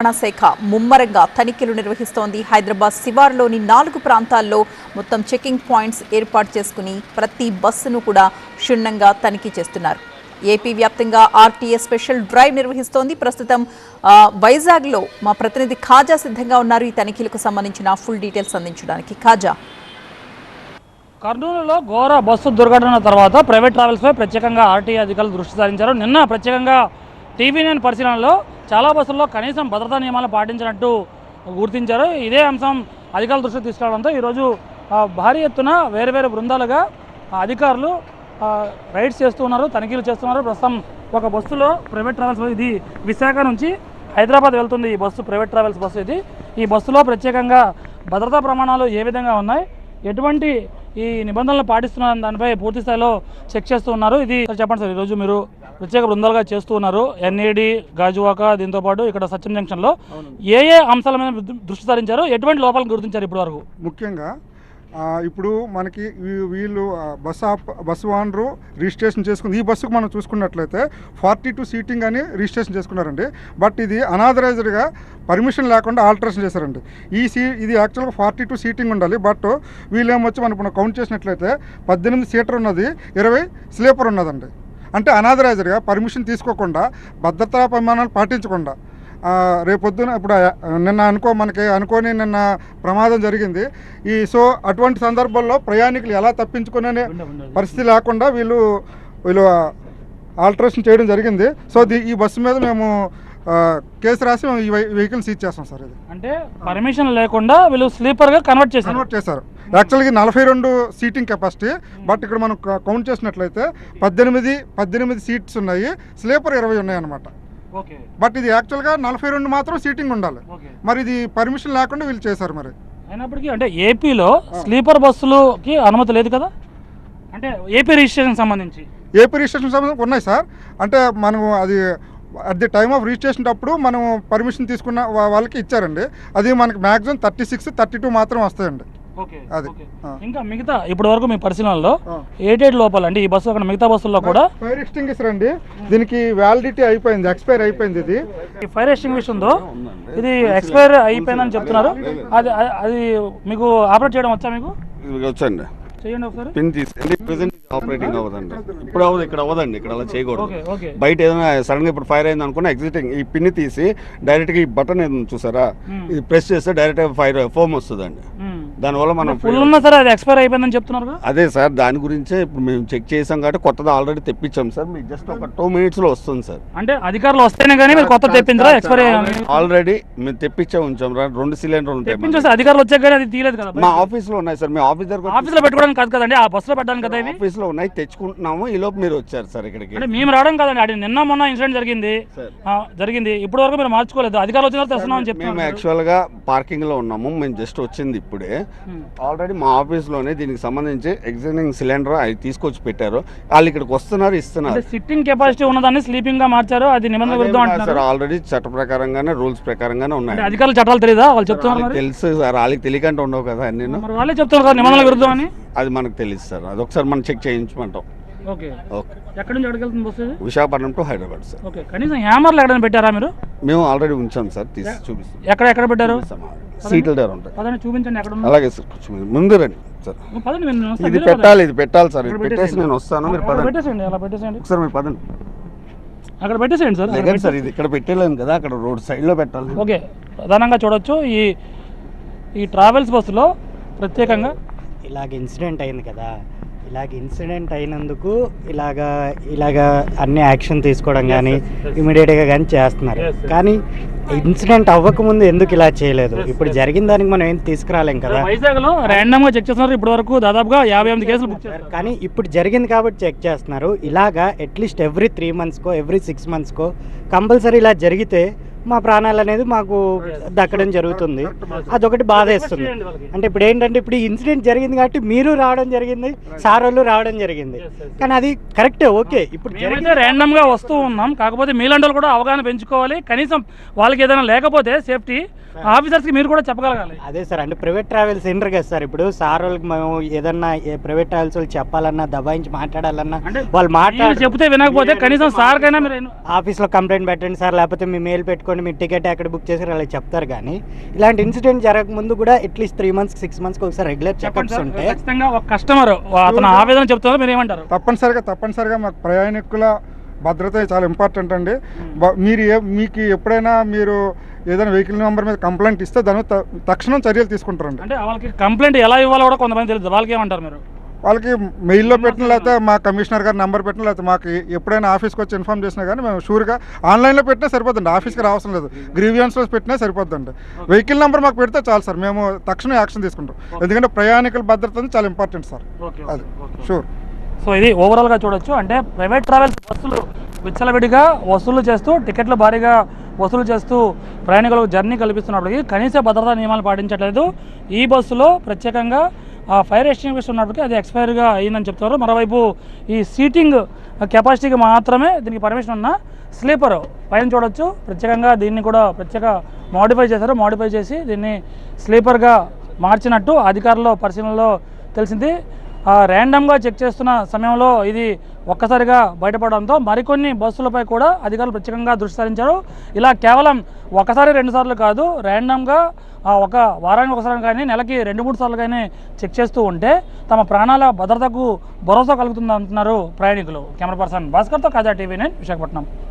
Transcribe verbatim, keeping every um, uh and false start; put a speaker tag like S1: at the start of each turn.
S1: శాఖ ముమ్మరంగా తనిఖీలు నిర్వహిస్తోంది. హైదరాబాద్ శివారులోని నాలుగు ప్రాంతాల్లో మొత్తం చెకింగ్ పాయింట్స్ ఏర్పాటు చేసుకుని ప్రతి బస్సును కూడా క్షుణ్ణంగా తనిఖీ చేస్తున్నారు. ఏపీ వ్యాప్తంగా ఆర్టీఏ స్పెషల్ డ్రైవ్ నిర్వహిస్తోంది. ప్రస్తుతం వైజాగ్లో మా ప్రతినిధి ఖాజా సిద్ధంగా ఉన్నారు ఈ తనిఖీలకు సంబంధించిన ఫుల్ డీటెయిల్స్ అందించడానికి. ఖాజా,
S2: కర్నూలులో ఘోర బస్సు దుర్ఘటన తర్వాత ప్రైవేట్ ట్రావెల్స్పై ప్రత్యేకంగా ఆర్టీఏ అధికారులు దృష్టి సారించారు. నిన్న ప్రత్యేకంగా టీవీ నైన్ పరిశీలనలో చాలా బస్సుల్లో కనీసం భద్రతా నియమాలు పాటించినట్టు గుర్తించారు. ఇదే అంశం అధికారుల దృష్టికి తీసుకురావడంతో ఈరోజు భారీ ఎత్తున వేరు వేరు బృందాలుగా అధికారులు రైడ్స్ చేస్తూ ఉన్నారు, తనిఖీలు చేస్తున్నారు. ప్రస్తుతం ఒక బస్సులో ప్రైవేట్ ట్రావెల్స్, ఇది విశాఖ నుంచి హైదరాబాద్ వెళ్తుంది ఈ బస్సు, ప్రైవేట్ ట్రావెల్స్ బస్సు ఇది. ఈ బస్సులో ప్రత్యేకంగా భద్రతా ప్రమాణాలు ఏ విధంగా ఉన్నాయి, ఎటువంటి ఈ నిబంధనలు పాటిస్తున్న దానిపై పూర్తి స్థాయిలో చెక్ చేస్తూ ఉన్నారు. ఇది చెప్పండి సార్, ఈరోజు మీరు ప్రత్యేక బృందాలుగా చేస్తూ ఉన్నారు ఎన్ఏడి, గాజువాక, దీంతో పాటు ఇక్కడ సత్యం జంక్షన్లో ఏ ఏ అంశాల మీద దృష్టి సారించారు, ఎటువంటి లోపాలను గుర్తించారు ఇప్పటి వరకు?
S3: ముఖ్యంగా ఇప్పుడు మనకి వీళ్ళు బస్ ఆప్ బస్సు ఓనరు రిజిస్ట్రేషన్ చేసుకుంది. ఈ బస్సుకు మనం చూసుకున్నట్లయితే ఫార్టీ టూ సీటింగ్ అని రిజిస్ట్రేషన్ చేసుకున్నారండి. బట్ ఇది అనాథరైజ్డ్గా పర్మిషన్ లేకుండా ఆల్టరేషన్ చేశారండి. ఈ సీ ఇది యాక్చువల్గా ఫార్టీ టూ సీటింగ్ ఉండాలి. బట్ వీళ్ళు ఏమొచ్చి మనం ఇప్పుడు కౌంట్ చేసినట్లయితే పద్దెనిమిది సీటర్ ఉన్నది, ఇరవై స్లీపర్ ఉన్నదండి. అంటే అనాథరైజ్డ్గా పర్మిషన్ తీసుకోకుండా, భద్రతా ప్రమాణాలు పాటించకుండా రేపొద్దున ఇప్పుడు నిన్న అనుకో మనకి అనుకోని నిన్న ప్రమాదం జరిగింది. ఈ సో అటువంటి సందర్భంలో ప్రయాణికులు ఎలా తప్పించుకునే పరిస్థితి లేకుండా వీళ్ళు వీళ్ళు ఆల్టరేషన్ చేయడం జరిగింది. సో ఈ బస్సు మీద మేము కేసు రాసి ఈ వెహికల్ సీజ్ చేస్తాం సార్. ఇది
S2: అంటే పర్మిషన్ లేకుండా వీళ్ళు స్లీపర్గా కన్వర్ట్ చేశారు
S3: కన్వర్ట్ చేశారు యాక్చువల్గా నలభై రెండు సీటింగ్ కెపాసిటీ. బట్ ఇక్కడ మనం కౌంట్ చేసినట్లయితే పద్దెనిమిది పద్దెనిమిది సీట్స్ ఉన్నాయి, స్లీపర్ ఇరవై ఉన్నాయి అన్నమాట. బట్ ఇది యాక్చువల్గా నలభై రెండు మాత్రం సీటింగ్ ఉండాలి. మరి ఇది పర్మిషన్ లేకుండా వీళ్ళు చేశారు. మరి
S2: అయినప్పటికీ అంటే ఏపీలో స్లీపర్ బస్సులకి అనుమతి లేదు కదా, అంటే ఏపీ రిజిస్ట్రేషన్ సంబంధించి
S3: ఏపీ రిజిస్ట్రేషన్ సంబంధించి ఉన్నాయి సార్. అంటే మనం అది at the time of registration అప్పుడు మనం పర్మిషన్ తీసుకున్న వాళ్ళకి ఇచ్చారండి. అది మనకి maximum thirty six thirty two మాత్రం వస్తాయండి.
S2: అది ఇంకా మిగతా ఇప్పటి వరకు మీ పరిశీలనలో ఎయిట్ లోపల అంటే ఈ బస్సు అక్కడ మిగతా బస్సుల్లో కూడా
S3: ఫైర్ ఎక్స్టింగ్విషర్ అండి, దీనికి వ్యాలిడిటీ అయిపోయింది, ఎక్స్పైర్ అయిపోయింది. ఇది
S2: ఈ ఫైర్ ఎక్స్టింగ్విషర్ ఉందో ఇది ఎక్స్పైర్ అయిపోయిందని చెప్తున్నారు. అది అది మీకు ఆపరేట్ చేయడం వచ్చా? మీకు
S4: వచ్చండి,
S2: చేయండి ఒకసారి.
S4: పిన్ తీసి ప్రెజెంట్ ఆపరేటింగ్ అవ్వదండి, ఇప్పుడు అవ్వదు, ఇక్కడ అవ్వదండి, ఇక్కడ అలా చేయకూడదు. బయట ఏదైనా సడన్ గా ఇప్పుడు ఫైర్ అయింది అనుకున్నా ఎగ్జిటింగ్ ఈ పిన్ తీసి డైరెక్ట్ గా ఈ బటన్ ఏదైనా చూసారా, ఇది ప్రెస్ చేస్తే డైరెక్ట్ గా ఫైర్ ఫోమ్ వస్తుందండి. దానివల్ల మనం
S2: ఫుల్ ఉన్నా సరే అది ఎక్స్పైర్ అయిపోయిందని చెప్తున్నారు.
S4: అదే సార్, దాని గురించే ఇప్పుడు మేము చెక్ చేసాం కాబట్టి కొత్తది ఆల్రెడీ తెప్పించాం సార్. మీకు జస్ట్ ఒక టూ మినిట్స్ లో వస్తుంది సార్.
S2: అంటే అధికారులు వస్తేనే కానీ మీరు కొత్త తెప్పించారా? ఎక్స్పైర్
S4: ఆల్రెడీ మేము తెప్పించే ఉంచాం, రెండు సిలిండర్లు ఉంటాయి.
S2: అధికారులు వచ్చాక కానీ అది తీయలేదు కదా.
S4: మా ఆఫీస్ లో ఉన్నాయి సార్, మీ ఆఫీస్ దగ్గర
S2: ఆఫీస్ లో పెట్టుకోవడానికి కాదు కదండి, ఆ బస్సులో పెట్టడానికి కదా.
S4: ఆఫీస్ లో ఉన్నాయి, తెచ్చుకుంటున్నాము. ఈ లోపు మీరు వచ్చారు సార్ ఇక్కడికి.
S2: అంటే మేము రావడం కాదండి, అది నిన్న మొన్న ఇన్సిడెంట్ జరిగింది జరిగింది ఇప్పటి వరకు మీరు మార్చుకోలేదు. అధికారులు వచ్చిన తర్వాత తెస్తున్నామని చెప్పి
S4: మేము యాక్చువల్ గా పార్కింగ్ లో ఉన్నాము, మేము జస్ట్ వచ్చింది ఇప్పుడే. ఆల్రెడీ మా ఆఫీస్ లోనే దీనికి సంబంధించి ఎగ్జిస్టింగ్ సిలిండర్ అది తీసుకొచ్చి పెట్టారు. వాళ్ళు ఇక్కడికి వస్తున్నారు, ఇస్తున్నారు.
S2: సిట్టింగ్ కెపాసిటీ ఉన్నదాన్ని స్లీపింగ్ గా మార్చారు, అది నిబంధన విరుద్ధం అంటున్నారు.
S4: ఆల్రెడీ చట్ట ప్రకారంగానే రూల్స్ ప్రకారంగానే ఉన్నాయి.
S2: అధికారులు చట్టాలు తెలియదా? వాళ్ళు చెప్తున్నారు.
S4: తెలుసు సార్, వాళ్ళకి తెలియకంటే ఉండవు కదా. నేను
S2: వాళ్ళే చెప్తున్నారు కదా నిబంధనల విరుద్ధం అని.
S4: అది మనకు తెలుసు సార్, అది ఒకసారి మనం చెక్ చేయించమంటాం.
S2: Okay okay. ఎక్కడి నుంచి ఎక్కడికి వెళ్తుంది bus?
S4: Visakhapatnam to Hyderabad sir.
S2: Okay. కనీసం హ్యామర్లు ఎక్కడైనా పెట్టారా మీరు?
S4: మేము ఆల్రెడీ ఉంచాం సార్, తీసి చూపిస్తాం.
S2: ఎక్కడ ఎక్కడ పెట్టారు?
S4: సీట్ల దగ్గర ఉంటాయి.
S2: పదండి చూపించండి ఎక్కడ.
S4: అలాగే సార్, ముందు రండి సార్. ఇది పెట్టాలి, ఇది పెట్టాలి సార్. ఇది పెట్టేసి నేను వస్తాను, మీరు పదండి.
S2: పెట్టేసండి, అలా పెట్టేసండి
S4: ఒకసారి మీరు పదండి.
S2: అక్కడ పెట్టేసేయండి సార్.
S4: లేదండి సార్, ఇది ఇక్కడ పెట్టలేను కదా, అక్కడ రోడ్ సైడ్ లో పెట్టాలి.
S2: ఓకే. ప్రధానంగా చూడొచ్చు ఈ ఈ ట్రావెల్స్ బస్సులో ప్రత్యేకంగా
S5: ఇలాగ ఇన్సిడెంట్ అయింది కదా, ఇలాగ ఇన్సిడెంట్ అయినందుకు ఇలాగా ఇలాగా అన్ని యాక్షన్ తీసుకోవడం కానీ ఇమీడియట్గా కానీ చేస్తున్నారు. కానీ ఇన్సిడెంట్ అవ్వకముందు ఎందుకు ఇలా చేయలేదు? ఇప్పుడు జరిగిన దానికి మనం ఏం తీసుకురాలేం కదా.
S2: వైజాగ్ లో ర్యాండమ్ గా చెక్ చేస్తున్నారు, ఇప్పటి వరకు దాదాపుగా యాభై ఎనిమిది కేసులు బుక్ చేశారు.
S5: కానీ ఇప్పుడు జరిగింది కాబట్టి చెక్ చేస్తున్నారు. ఇలాగా అట్లీస్ట్ ఎవ్రీ త్రీ మంత్స్కో ఎవ్రీ సిక్స్ మంత్స్కో కంపల్సరీ ఇలా జరిగితే మా ప్రాణాలు అనేది మాకు దక్కడం జరుగుతుంది. అదొకటి బాధేస్తుంది. అంటే ఇప్పుడు ఏంటంటే ఇప్పుడు ఈ ఇన్సిడెంట్ జరిగింది కాబట్టి మీరు రావడం జరిగింది, సార్ వాళ్ళు రావడం జరిగింది. కానీ అది కరెక్టే, ఓకే. ఇప్పుడు
S2: జరిగితే ర్యాండమ్ గా వస్తూ ఉన్నాం, కాకపోతే మీలాంటి వాళ్ళు కూడా అవగాహన పెంచుకోవాలి. కనీసం వాళ్ళకి ఏదైనా లేకపోతే సేఫ్టీ ఆఫీసర్స్కి మీరు కూడా చెప్పగలగాలి.
S5: అదే సార్, అంటే ప్రైవేట్ ట్రావెల్స్ ఏంటారు కదా సార్, ఇప్పుడు సార్ వాళ్ళకి మేము ఏదన్నా ప్రైవేట్ ట్రావెల్స్ వాళ్ళు చెప్పాలన్నా దబాయించి మాట్లాడాలన్నా
S2: అంటే
S5: వాళ్ళు మాట్లాడి
S2: చెప్తే వినకపోతే కనీసం సార్ కైనా మీరు
S5: ఆఫీస్లో కంప్లైంట్ పెట్టండి సార్, లేకపోతే మీ మెయిల్ పెట్టుకొని మీ టికెట్ ఎక్కడ బుక్ చేసారు అలా చెప్తారు. కానీ ఇలాంటి ఇన్సిడెంట్ జరగక ముందు కూడా అట్లీస్ట్ త్రీ మంత్స్ సిక్స్ మంత్స్కి ఒకసారి రెగ్యులర్ చెకప్స్ ఉంటే
S2: ఖచ్చితంగా ఒక కస్టమర్ అతను ఆవేదన చెప్తున్నారు, మీరు ఏమంటారు?
S3: తప్పనిసరిగా తప్పనిసరిగా మాకు ప్రయాణికుల భద్రత చాలా ఇంపార్టెంట్ అండి. బ- మీరు ఏ మీకు ఎప్పుడైనా మీరు ఏదైనా వెహికల్ నెంబర్ మీద కంప్లైంట్ ఇస్తే దాని త- తక్షణం చర్యలు తీసుకుంటారండి.
S2: అంటే వాళ్ళకి కంప్లైంట్ ఎలా ఇవ్వాలో కూడా కొంతమంది తెలియదు, వాళ్ళకి ఏమంటారు మీరు?
S3: వాళ్ళకి మెయిల్లో పెట్టిన లేకపోతే మా కమిషనర్ గారు నెంబర్ పెట్టిన లేకపోతే మాకు ఎప్పుడైనా ఆఫీస్కి వచ్చి ఇన్ఫార్మ్ చేసినా కానీ మేము షూర్గా ఆన్లైన్లో పెట్టినా సరిపోద్దండి, ఆఫీస్కి రావసం లేదు, గ్రీవియన్స్లో పెట్టినా సరిపోద్దండి. వెహికల్ నెంబర్ మాకు పెడితే చాలు సార్, మేము తక్షణం యాక్షన్ తీసుకుంటాం. ఎందుకంటే ప్రయాణికుల భద్రత అనేది చాలా ఇంపార్టెంట్ సార్, అది షూర్.
S2: సో ఇది ఓవరాల్గా చూడొచ్చు. అంటే ప్రైవేట్ ట్రావెల్స్ బస్సులు విచ్చలవిడిగా వసూలు చేస్తూ టికెట్లు భారీగా వసూలు చేస్తూ ప్రయాణికులకు జర్నీ కల్పిస్తున్నప్పటికీ కనీస భద్రతా నియమాలు పాటించట్లేదు. ఈ బస్సులో ప్రత్యేకంగా ఫైర్ ఎక్స్టింగ్విషర్ ఉన్నప్పటికీ అది ఎక్స్పైర్గా అయ్యిందని చెప్తున్నారు. మరోవైపు ఈ సీటింగ్ కెపాసిటీకి మాత్రమే దీనికి పర్మిషన్ ఉన్న స్లీపర్ పైన చూడొచ్చు. ప్రత్యేకంగా దీన్ని కూడా ప్రత్యేక మోడిఫై చేశారు. మోడిఫై చేసి దీన్ని స్లీపర్గా మార్చినట్టు అధికారుల పరిశీలనలో తెలిసింది. ర్యాండమ్గా చెక్ చేస్తున్న సమయంలో ఇది ఒక్కసారిగా బయటపడడంతో మరికొన్ని బస్సులపై కూడా అధికారులు ప్రత్యేకంగా దృష్టి సారించారు. ఇలా కేవలం ఒకసారి రెండు సార్లు కాదు, ర్యాండమ్గా ఒక వారానికి ఒకసారి కానీ నెలకి రెండు మూడు సార్లు కానీ చెక్ చేస్తూ ఉంటే తమ ప్రాణాల భద్రతకు భరోసా కలుగుతుంది అంటున్నారు ప్రయాణికులు. కెమెరా పర్సన్ భాస్కర్తో కాజా టీవీ నైన్ విశాఖపట్నం.